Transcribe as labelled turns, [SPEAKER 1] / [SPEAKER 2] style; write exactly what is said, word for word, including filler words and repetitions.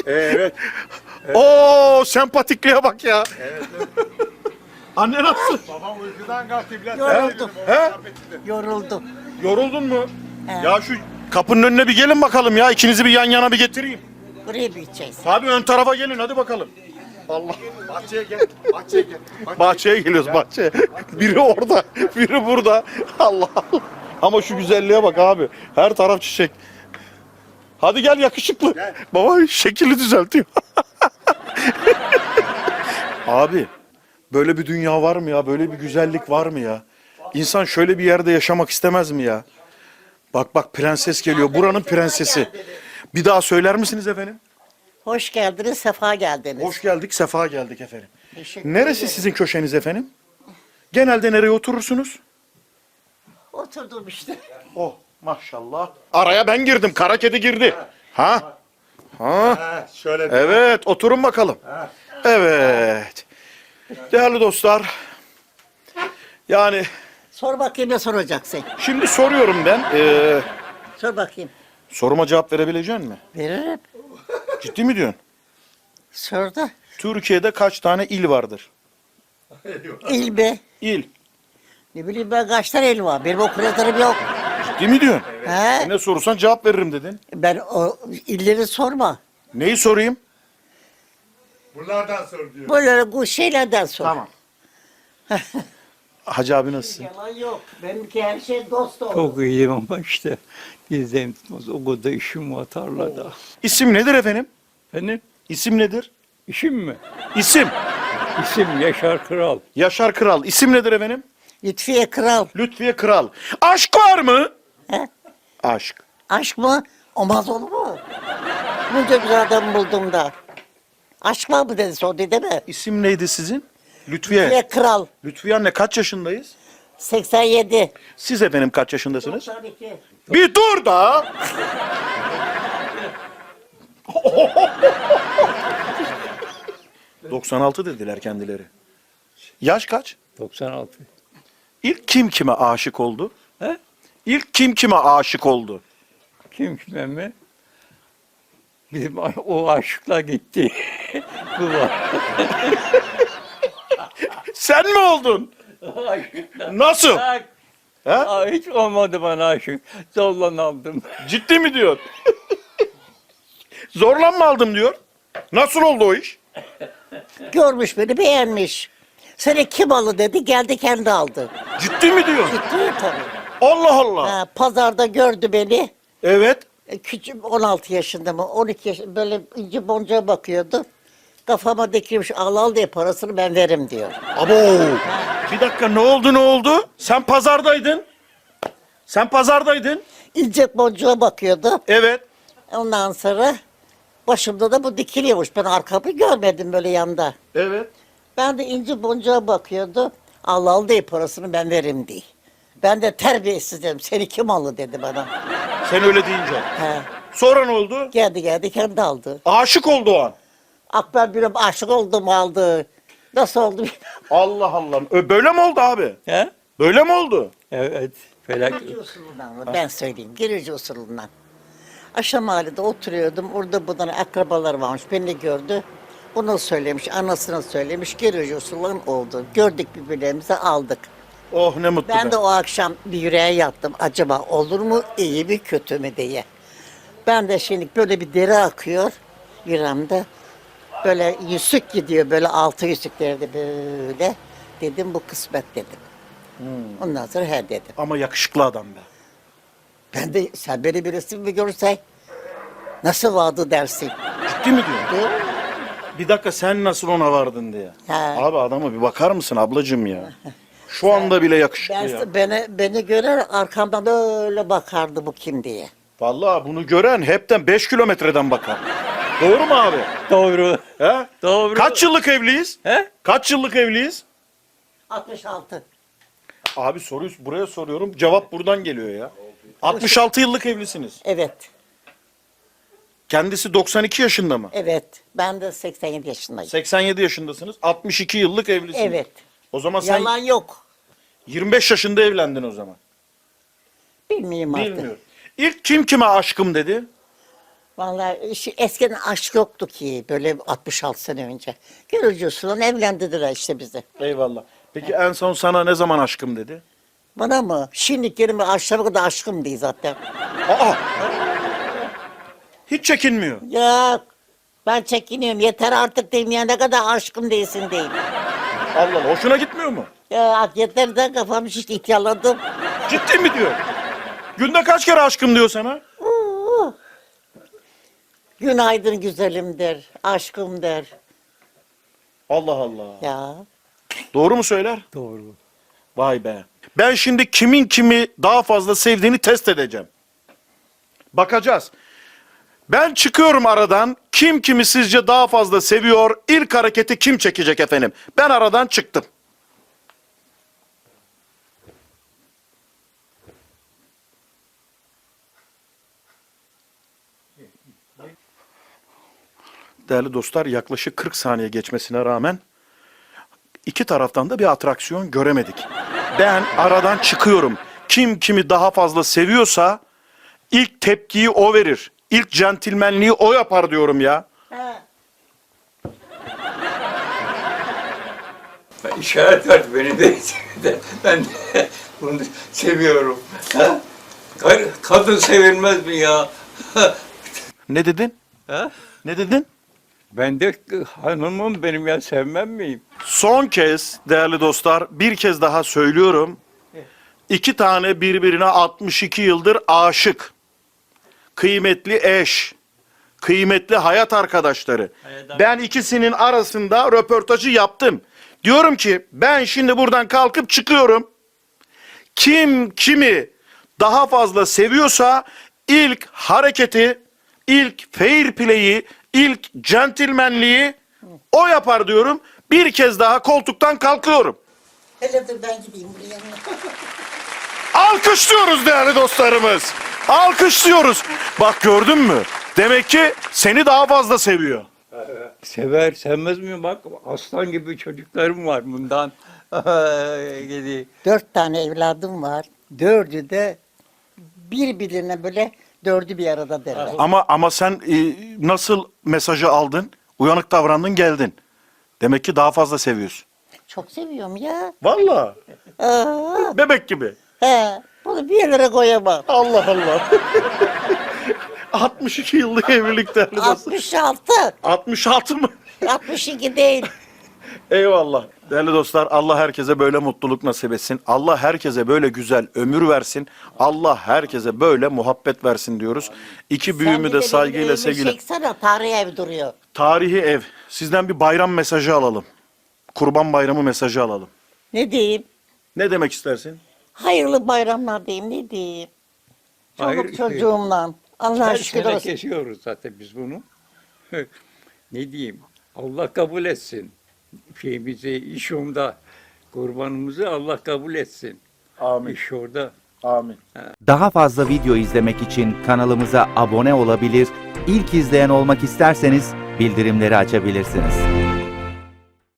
[SPEAKER 1] Evet.
[SPEAKER 2] Oo, sempatikliğe bak ya.
[SPEAKER 1] Evet.
[SPEAKER 2] Anne nasıl?
[SPEAKER 1] Babam uykudan kalktı biraz.
[SPEAKER 3] Yoruldum.
[SPEAKER 2] He?
[SPEAKER 3] Yoruldum.
[SPEAKER 2] Yoruldun mu?
[SPEAKER 3] He.
[SPEAKER 2] Ya şu kapının önüne bir gelin bakalım ya. İkinizi bir yan yana bir getireyim.
[SPEAKER 3] Buraya bir gideceğiz.
[SPEAKER 2] Abi ön tarafa gelin hadi bakalım. Allah.
[SPEAKER 1] Bahçeye gel. Bahçeye gel. Bahçeye
[SPEAKER 2] Bahçeye geliyoruz bahçeye. Biri orada, biri burada. Allah Allah. Ama şu güzelliğe bak abi. Her taraf çiçek. Hadi gel yakışıklı.
[SPEAKER 1] Gel.
[SPEAKER 2] Baba şekili düzeltiyor. Abi böyle bir dünya var mı ya? Böyle bir güzellik var mı ya? İnsan şöyle bir yerde yaşamak istemez mi ya? Bak bak prenses geliyor. Buranın prensesi. Bir daha söyler misiniz efendim?
[SPEAKER 3] Hoş geldiniz, sefa geldiniz.
[SPEAKER 2] Hoş geldik, sefa geldik efendim.
[SPEAKER 3] Teşekkür
[SPEAKER 2] Neresi
[SPEAKER 3] ederim.
[SPEAKER 2] sizin köşeniz efendim? Genelde nereye oturursunuz?
[SPEAKER 3] Oturdum işte.
[SPEAKER 2] Oh maşallah. Araya ben girdim. Kara kedi girdi. Ha? Ha?
[SPEAKER 1] Ha, şöyle de.
[SPEAKER 2] Evet, oturun bakalım. Evet. Değerli dostlar. Yani
[SPEAKER 3] Sor bakayım ne soracaksın?
[SPEAKER 2] şimdi soruyorum ben. Ee,
[SPEAKER 3] Sor bakayım.
[SPEAKER 2] soruma cevap verebilecek misin?
[SPEAKER 3] Veririm.
[SPEAKER 2] Ciddi mi diyorsun?
[SPEAKER 3] Sor da.
[SPEAKER 2] Türkiye'de kaç tane il vardır?
[SPEAKER 3] İl be.
[SPEAKER 2] İl.
[SPEAKER 3] Ne bileyim ben kaç tane il var. Benim okulatlarım yok.
[SPEAKER 2] Ciddi mi diyorsun?
[SPEAKER 3] He?
[SPEAKER 2] Ne sorursan cevap veririm dedin.
[SPEAKER 3] Ben o illeri sorma.
[SPEAKER 2] Neyi sorayım?
[SPEAKER 1] Bunlardan sor diyor.
[SPEAKER 3] Böyle bu şeylerden sor.
[SPEAKER 2] Tamam. Hacı abi nasılsın?
[SPEAKER 3] Yalan yok. Benimki her şey dost olur.
[SPEAKER 4] Çok iyiyim ama işte gizem tutmaz. O kadar işim var tarlada.
[SPEAKER 2] İsim nedir efendim?
[SPEAKER 4] Benim
[SPEAKER 2] İsim nedir?
[SPEAKER 4] işim mi?
[SPEAKER 2] İsim.
[SPEAKER 4] İsim Yaşar Kral.
[SPEAKER 2] Yaşar Kral. İsim nedir efendim?
[SPEAKER 3] Lütfiye Kral.
[SPEAKER 2] Lütfiye Kral. Aşk var mı?
[SPEAKER 3] He?
[SPEAKER 2] Aşk.
[SPEAKER 3] Aşk mı? Olmaz olur mu? Bunca güzel adam buldum da. Aşk var mı dedi sordu değil mi?
[SPEAKER 2] İsim neydi sizin? Lütfiye.
[SPEAKER 3] Lütfiye Kral.
[SPEAKER 2] Lütfiye anne kaç yaşındayız?
[SPEAKER 3] seksen yedi.
[SPEAKER 2] Siz efendim kaç yaşındasınız?
[SPEAKER 3] doksan iki.
[SPEAKER 2] Bir dur da. doksan altı dediler kendileri. Yaş kaç?
[SPEAKER 4] doksan altı.
[SPEAKER 2] İlk kim kime aşık oldu?
[SPEAKER 4] He?
[SPEAKER 2] İlk kim kime aşık oldu?
[SPEAKER 4] Kim kime mi? Bizim a- o aşıkla gitti. Bu var.
[SPEAKER 2] Sen mi oldun?
[SPEAKER 4] Aşıkla.
[SPEAKER 2] Nasıl?
[SPEAKER 4] Bak,
[SPEAKER 2] He?
[SPEAKER 4] aa, hiç olmadı bana aşık. Zorla aldım.
[SPEAKER 2] Ciddi mi diyor? Zorla mı aldım diyor. Nasıl oldu o iş?
[SPEAKER 3] Görmüş beni beğenmiş. Seni kim aldı dedi geldi kendi aldı.
[SPEAKER 2] Ciddi mi diyor?
[SPEAKER 3] Gitti tabii.
[SPEAKER 2] Allah Allah.
[SPEAKER 3] Ha, pazarda gördü beni.
[SPEAKER 2] Evet.
[SPEAKER 3] E, Küçük on altı yaşında mı on iki yaşında böyle inci boncuğa bakıyordu. Kafama dikilmiş al al diye parasını ben veririm diyor.
[SPEAKER 2] Abo. Bir dakika ne oldu ne oldu? Sen pazardaydın. Sen pazardaydın.
[SPEAKER 3] İnce boncuğa bakıyordu.
[SPEAKER 2] Evet.
[SPEAKER 3] Ondan sonra başımda da bu dikiliyormuş. Ben arkamı görmedim böyle yanda.
[SPEAKER 2] Evet.
[SPEAKER 3] Ben de inci boncuğa bakıyordu. Al al diye parasını ben veririm diye. Ben de terbiyesiz dedim. Seni kim aldı dedi bana.
[SPEAKER 2] Sen öyle deyince.
[SPEAKER 3] He.
[SPEAKER 2] Sonra ne oldu?
[SPEAKER 3] Geldi geldi kendi aldı.
[SPEAKER 2] Aşık oldu o an.
[SPEAKER 3] Akber bir aşık oldum aldı. Nasıl oldu bilmem.
[SPEAKER 2] Allah Allah. Ö, Böyle mi oldu abi?
[SPEAKER 4] He?
[SPEAKER 2] Böyle mi oldu?
[SPEAKER 4] Evet. Felak.
[SPEAKER 3] Girici usulünden ben söyleyeyim. Girici usulünden. Aşağı mahallede oturuyordum. Orada buradan akrabalar varmış. Beni gördü. Bunu söylemiş, anasına söylemiş. Girici usulünden oldu. Gördük birbirlerimizi aldık.
[SPEAKER 2] Oh ne mutlu
[SPEAKER 3] Ben
[SPEAKER 2] be.
[SPEAKER 3] de o akşam bir yüreğe yattım. Acaba olur mu, iyi mi, kötü mü diye. Ben de şimdi böyle bir deri akıyor yüreğimde. Böyle yüzük gidiyor, böyle altı yüzüklerde böyle. Dedim bu kısmet dedim. Ondan sonra he dedim.
[SPEAKER 2] Ama yakışıklı adam be.
[SPEAKER 3] Ben de sen beni bir resim mi görsen nasıl vardı dersin.
[SPEAKER 2] Ciddi mi diyorsun?
[SPEAKER 3] Değil mi?
[SPEAKER 2] Bir dakika sen nasıl ona vardın diye.
[SPEAKER 3] He.
[SPEAKER 2] Abi adama bir bakar mısın ablacığım ya? Şu anda bile yakışıklı
[SPEAKER 3] Ben,
[SPEAKER 2] ya.
[SPEAKER 3] beni, beni görer arkamdan öyle bakardı bu kim diye.
[SPEAKER 2] Vallahi bunu gören hepten beş kilometreden bakar. Doğru mu abi?
[SPEAKER 4] Doğru.
[SPEAKER 2] He?
[SPEAKER 4] Doğru.
[SPEAKER 2] Kaç yıllık evliyiz?
[SPEAKER 4] He?
[SPEAKER 2] Kaç yıllık evliyiz?
[SPEAKER 3] altmış altı.
[SPEAKER 2] Abi soruyu buraya soruyorum. Cevap buradan geliyor ya. altmış altı yıllık evlisiniz.
[SPEAKER 3] Evet,
[SPEAKER 2] Kendisi doksan iki yaşında mı?
[SPEAKER 3] evet. Ben de seksen yedi yaşındayım.
[SPEAKER 2] seksen yedi yaşındasınız. altmış iki yıllık evlisiniz.
[SPEAKER 3] Evet.
[SPEAKER 2] O zaman sen
[SPEAKER 3] Yalan yok.
[SPEAKER 2] yirmi beş yaşında evlendin o zaman.
[SPEAKER 3] Bilmiyorum artık.
[SPEAKER 2] Bilmiyorum. İlk kim kime aşkım dedi?
[SPEAKER 3] Vallahi şu eskiden aşk yoktu ki böyle altmış altı sene önce. Görücü usulü evlendirdiler işte bizi.
[SPEAKER 2] Eyvallah. Peki en son sana ne zaman aşkım dedi?
[SPEAKER 3] Bana mı? Şimdi kelime aşağı kadar aşkım değil zaten.
[SPEAKER 2] Aa! Hiç çekinmiyor.
[SPEAKER 3] Ya ben çekiniyorum. Yeter artık diyeyim ya ne kadar aşkım değilsin diyeyim.
[SPEAKER 2] Allah Allah. Hoşuna gitmiyor mu?
[SPEAKER 3] Ya yeter de kafam şişti ihtiyarladım.
[SPEAKER 2] Ciddi mi diyor? Günde kaç kere aşkım diyor sana?
[SPEAKER 3] Oo. Günaydın güzelim der. Aşkım der.
[SPEAKER 2] Allah Allah.
[SPEAKER 3] Ya.
[SPEAKER 2] Doğru mu söyler?
[SPEAKER 4] Doğru.
[SPEAKER 2] Vay be. Ben şimdi kimin kimi daha fazla sevdiğini test edeceğim. Bakacağız. Ben çıkıyorum aradan. Kim kimi sizce daha fazla seviyor? İlk hareketi kim çekecek efendim? Ben aradan çıktım. Değerli dostlar, yaklaşık kırk saniye geçmesine rağmen iki taraftan da bir atraksiyon göremedik. Ben aradan çıkıyorum. Kim kimi daha fazla seviyorsa ilk tepkiyi o verir. İlk centilmenliği o yapar diyorum ya.
[SPEAKER 4] İşaret ver beni de. Ben de bunu seviyorum. Ha? Kar- Kadın sevilmez mi ya?
[SPEAKER 2] Ne dedin?
[SPEAKER 4] Ha?
[SPEAKER 2] Ne dedin?
[SPEAKER 4] Ben de hanımım benim ya sevmem miyim?
[SPEAKER 2] Son kez değerli dostlar bir kez daha söylüyorum. İki tane birbirine altmış iki yıldır aşık. Kıymetli eş. Kıymetli hayat arkadaşları. Ben ikisinin arasında röportajı yaptım. Diyorum ki ben şimdi buradan kalkıp çıkıyorum. Kim kimi daha fazla seviyorsa ilk hareketi, ilk fair play'i, ilk centilmenliği o yapar diyorum. Bir kez daha koltuktan kalkıyorum.
[SPEAKER 3] Hele dur ben gideyim buraya.
[SPEAKER 2] Alkışlıyoruz değerli dostlarımız. Alkışlıyoruz. Bak gördün mü? Demek ki seni daha fazla seviyor.
[SPEAKER 4] Sever, sevmez mi? Bak aslan gibi çocuklarım var bundan. Gidi.
[SPEAKER 3] Dört tane evladım var. Dördü de birbirine böyle dördü bir arada derler.
[SPEAKER 2] Ama ama sen e, nasıl mesajı aldın? Uyanık davrandın, geldin. Demek ki daha fazla seviyorsun.
[SPEAKER 3] Çok seviyorum ya.
[SPEAKER 2] Vallahi.
[SPEAKER 3] Aa,
[SPEAKER 2] Bebek gibi.
[SPEAKER 3] he, bunu bir yerlere koyamam.
[SPEAKER 2] Allah Allah. altmış iki yıllık evlilik değerli dostlar.
[SPEAKER 3] altmış altı.
[SPEAKER 2] altmış altı mı?
[SPEAKER 3] altmış iki değil.
[SPEAKER 2] Eyvallah. Değerli dostlar, Allah herkese böyle mutluluk nasip etsin. Allah herkese böyle güzel ömür versin. Allah herkese böyle muhabbet versin diyoruz. İki büyüğümü de saygıyla, sevgiyle.
[SPEAKER 3] Çeksene tarihi ev duruyor.
[SPEAKER 2] Tarihi ev. Sizden bir bayram mesajı alalım. Kurban bayramı mesajı alalım.
[SPEAKER 3] Ne diyeyim?
[SPEAKER 2] Ne demek istersin?
[SPEAKER 3] Hayırlı bayramlar diyeyim ne diyeyim? Çoluk
[SPEAKER 4] Hayır.
[SPEAKER 3] çocuğumla. Allah'a
[SPEAKER 4] Her
[SPEAKER 3] şükür
[SPEAKER 4] sene
[SPEAKER 3] olsun.
[SPEAKER 4] kesiyoruz zaten biz bunu. Ne diyeyim? Allah kabul etsin. Şeyimizi, iş onda. Kurbanımızı Allah kabul etsin.
[SPEAKER 2] Amin.
[SPEAKER 4] İş orada.
[SPEAKER 2] Amin.
[SPEAKER 5] Daha fazla video izlemek için kanalımıza abone olabilir, ilk izleyen olmak isterseniz bildirimleri açabilirsiniz.